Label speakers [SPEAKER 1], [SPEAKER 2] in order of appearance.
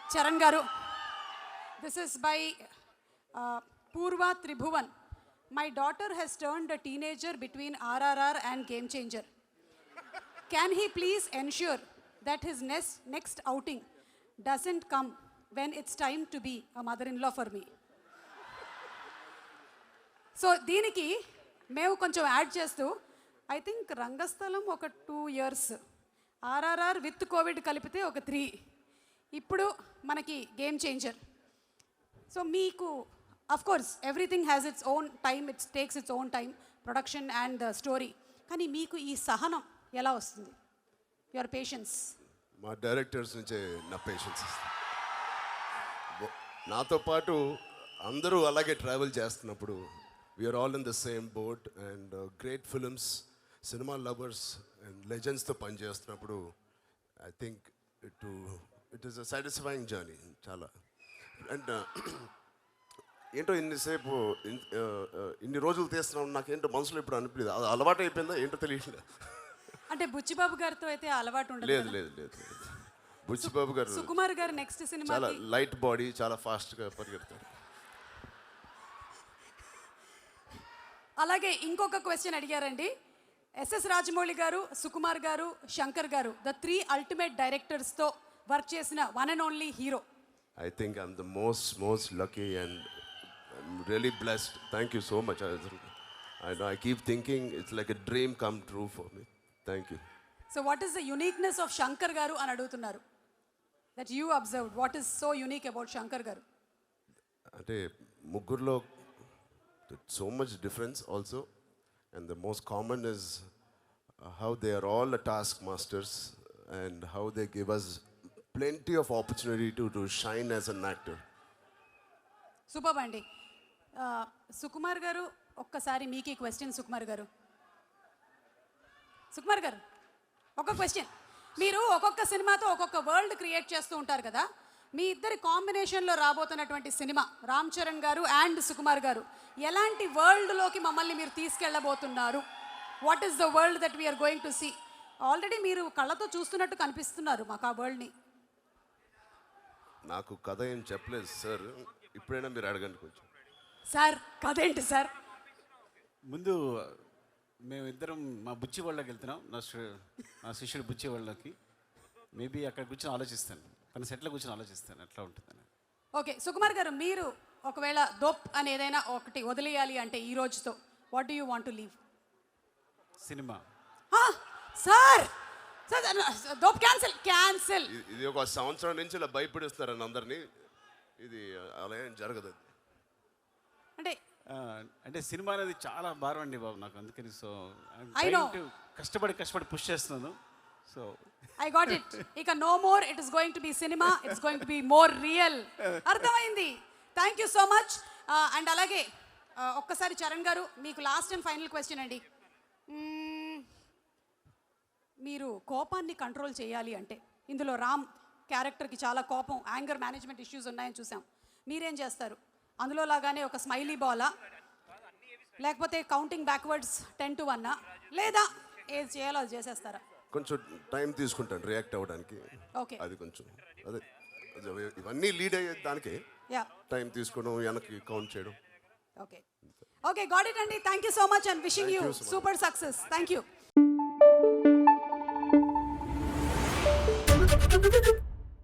[SPEAKER 1] చరణ్ గారు, this is by Purva Tribhuvan. My daughter has turned a teenager between RRR and Game Changer. Can he please ensure that his next outing doesn't come when it's time to be a mother-in-law for me? So దీనికి మేము కొంచెం add చేస్తూ I think రంగస్థలం ఒక 2 years, RRR with Covid కలిపితే ఒక 3, ఇప్పుడు మనకి Game Changer. So మీకు of course everything has its own time, it's takes its own time, production and the story. కానీ మీకు ఈ సహనం ఎలా వస్తుంది? Your patience.
[SPEAKER 2] మా డైరెక్టర్స్ నుంచే నా పేషెన్స్. నాతో పాటు అందరూ అలాగే ట్రావెల్ చేస్తున్నప్పుడు we are all in the same boat and great films, cinema lovers and లెజెండ్స్తో పనిచేస్తున్నప్పుడు I think it is a satisfying journey చాలా. అండ్ ఏంటో ఇన్నిసేపు ఇన్ని రోజులు తీస్తున్నాం, నాకేంటో మనసులో ఇప్పుడు అనిపించలేదు, అది అలవాటు అయిపోయిందా ఏంటో తెలియట్లేదు.
[SPEAKER 1] అంటే బుచ్చిబాబు గారితో అయితే అలవాటు ఉండదు.
[SPEAKER 2] లేదు లేదు లేదు బుచ్చిబాబు గారు,
[SPEAKER 1] సుకుమార్ గారు నెక్స్ట్ సినిమా
[SPEAKER 2] చాలా లైట్ బాడీ, చాలా ఫాస్ట్గా పరిగెడతారు.
[SPEAKER 1] అలాగే ఇంకొక క్వశ్చన్ అడిగారండి. ఎస్ఎస్ రాజమౌళి గారు, సుకుమార్ గారు, శంకర్ గారు, ద 3 అల్టిమేట్ డైరెక్టర్స్తో వర్క్ చేసిన one and only hero.
[SPEAKER 2] I think I'm the most lucky and I'm really blessed. Thank you so much. I keep thinking it's like a dream come true for me. Thank you.
[SPEAKER 1] So what is the uniqueness of Shankar garu అని అడుగుతున్నారు. That you observed. What is so unique about Shankar garu?
[SPEAKER 2] అంటే ముగ్గురులో so much difference also, and the most common is how they are all the taskmasters and how they give us plenty of opportunity to shine as an actor.
[SPEAKER 1] Super అండి. సుకుమార్ గారు, ఒక్కసారి మీకు ఈ question. Sukumar గారు ఒక question. మీరు ఒక్కొక్క సినిమాతో ఒక్కొక్క వరల్డ్ క్రియేట్ చేస్తూ ఉంటారు కదా. మీ ఇద్దరి కాంబినేషన్లో రాబోతున్నటువంటి సినిమా రామ్ చరణ్ గారు అండ్ సుకుమార్ గారు, ఎలాంటి వరల్డ్లోకి మమ్మల్ని మీరు తీసుకెళ్ళబోతున్నారు? What is the world that we are going to see? Already మీరు కళ్ళతో చూస్తున్నట్టు కనిపిస్తున్నారు మాకు ఆ వరల్డ్ని.
[SPEAKER 2] నాకు కథ ఏం చెప్పలేదు సార్, ఇప్పుడైనా మీరు అడగండి కొంచెం.
[SPEAKER 1] సార్ కథ ఏంటి సార్?
[SPEAKER 3] ముందు మేమిద్దరం మా బుచ్చి వాళ్ళకి వెళ్తున్నాం, నా శిష్యుడు బుచ్చి వాళ్ళకి. మేబీ అక్కడ కూర్చొని ఆలోచిస్తాను, తన సెట్లో కూర్చొని ఆలోచిస్తాను ఎట్లా ఉంటుందని.
[SPEAKER 1] ఓకే సుకుమార్ గారు, మీరు ఒకవేళ దోప్ అని ఏదైనా ఒకటి వదిలేయాలి అంటే ఈ రోజుతో, what do you want to leave?
[SPEAKER 3] Cinema.
[SPEAKER 1] Sir దోప్ క్యాన్సిల్.
[SPEAKER 2] ఇది ఒక సంవత్సరం నుంచి ఇలా భయపడిస్తారని అందరినీ, ఇది అలా ఏం జరగదు.
[SPEAKER 3] అంటే సినిమా అనేది చాలా భారం అండి బాబు నాకు, అందుకని సో కష్టపడి పుష్ చేస్తున్నాను. So
[SPEAKER 1] I got it. ఇక no more it is going to be cinema, it's going to be more real. అర్థమైంది. Thank you so much. And అలాగే ఒక్కసారి చరణ్ గారు, మీకు లాస్ట్ అండ్ ఫైనల్ క్వశ్చన్ అండి. మీరు కోపాన్ని కంట్రోల్ చేయాలి అంటే, ఇందులో రామ్ క్యారెక్టర్కి చాలా కోపం, యాంగర్ మేనేజ్మెంట్ ఇష్యూస్ ఉన్నాయని చూసాం. మీరేం చేస్తారు? అందులో లాగానే ఒక స్మైలీ బాలా, లేకపోతే కౌంటింగ్ బ్యాక్వర్డ్స్ 10 to 1, లేదా ఏది చేయాలో అది చేసేస్తారా?
[SPEAKER 2] కొంచెం టైం తీసుకుంటాను రియాక్ట్ అవ్వడానికి.
[SPEAKER 1] ఓకే,
[SPEAKER 2] అది కొంచెం అదే ఇవన్నీ లీడ్ అయ్యే దానికి టైం తీసుకోవడం, వెనక్కి కౌంట్ చేయడం.
[SPEAKER 1] ఓకే గాట్ ఇట్ అండి. Thank you so much and wishing you super success. Thank you.